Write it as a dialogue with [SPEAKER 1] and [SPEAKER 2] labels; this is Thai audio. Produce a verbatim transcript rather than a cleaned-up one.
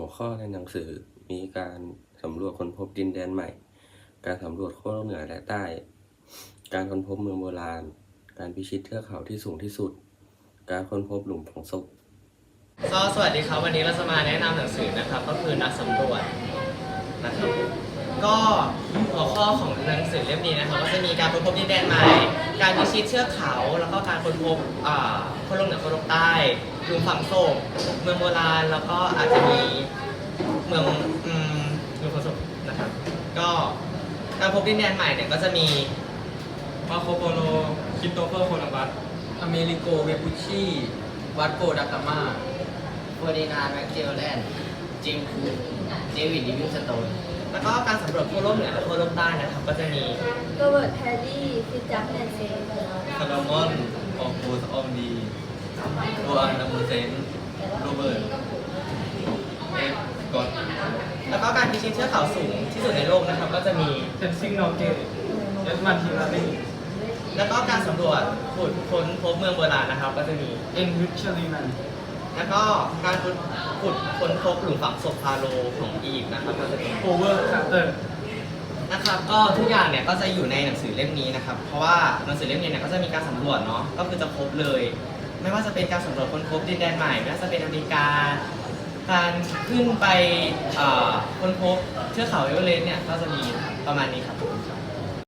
[SPEAKER 1] หัวข้อในหนังสือมีการสำรวจค้นพบดินแดนใหม่ การสำรวจขั้วโลกเหนือและใต้ การค้นพบเมืองโบราณ การพิชิตเทือกเขาที่สูงที่สุด การค้นพบหลุมฝังศพ
[SPEAKER 2] ก็สวัสดีครับวันนี้เราจะมาแนะนำหนังสือนะครับก็คือนักสำรวจนะครับก็หัวข้อของหนังสือเล่มนี้นะครับก็จะมีการค้นพบดินแดนใหม่ การพิชิตเทือกเขาแล้วก็การค้นพบอ่าขั้วโลกเหนือขั้วโลกใต้หลุมฝังศพเมืองโบราณแล้วก็อาจจะมีเมืองอืมหลุมฝังศพนะครับก็การพบดินแดนใหม่เนี่ยก็จะมี
[SPEAKER 3] มาโคโปโลคริสโตเฟอร์โคลัมบัสอเมริโกเวปุชชีวัดโกดากามา
[SPEAKER 4] เฟอร์ดินานด์แม็กเจลแลนด์จิมคูเดวิดลิวิงสโตน
[SPEAKER 2] แล้วก็การสำรวจขั้วโลกเหนือและขั้วโลกใต้นะครับก็จะมี
[SPEAKER 5] โรเบิร์ตแฮร์รี่ฟิตจักแนนเซน
[SPEAKER 3] คาร์ลมอนออกบูสออมดีโรอันดัมเบอร์เซนโรเบิร์ตเอฟกอต
[SPEAKER 2] แล้วก็การพิชิตเทือกเขาสูงที่สุดในโลกนะครับก็จะมี
[SPEAKER 3] เทนซิงนอเกตเอสมันทีลารี
[SPEAKER 2] แล้วก็การสำรวจขุดค้นพบเมืองโบราณนะครับก็จะมี
[SPEAKER 3] เอ็นวิชลีนัน
[SPEAKER 2] แล้วก็การขุดขุดค้นพบหลุมฝังศพฟาโรห์ของอียิปต์นะครับก็จะมี
[SPEAKER 3] โอเวอร์คาร์เตอร์
[SPEAKER 2] นะครับก็ทุกอย่างเนี่ยก็จะอยู่ในหนังสือเล่มนี้นะครับเพราะว่าหนังสือเล่มนี้เนี่ยก็จะมีการสำรวจเนาะก็คือจะครบเลย ไม่ว่าจะเป็นการสำรวจค้นพบดินแดนใหม่ไม่ว่าจะเป็นอเมริกาการขึ้นไปค้นพบเทือกเขาเอเวอเรสต์เนี่ยก็จะมีประมาณนี้ครับ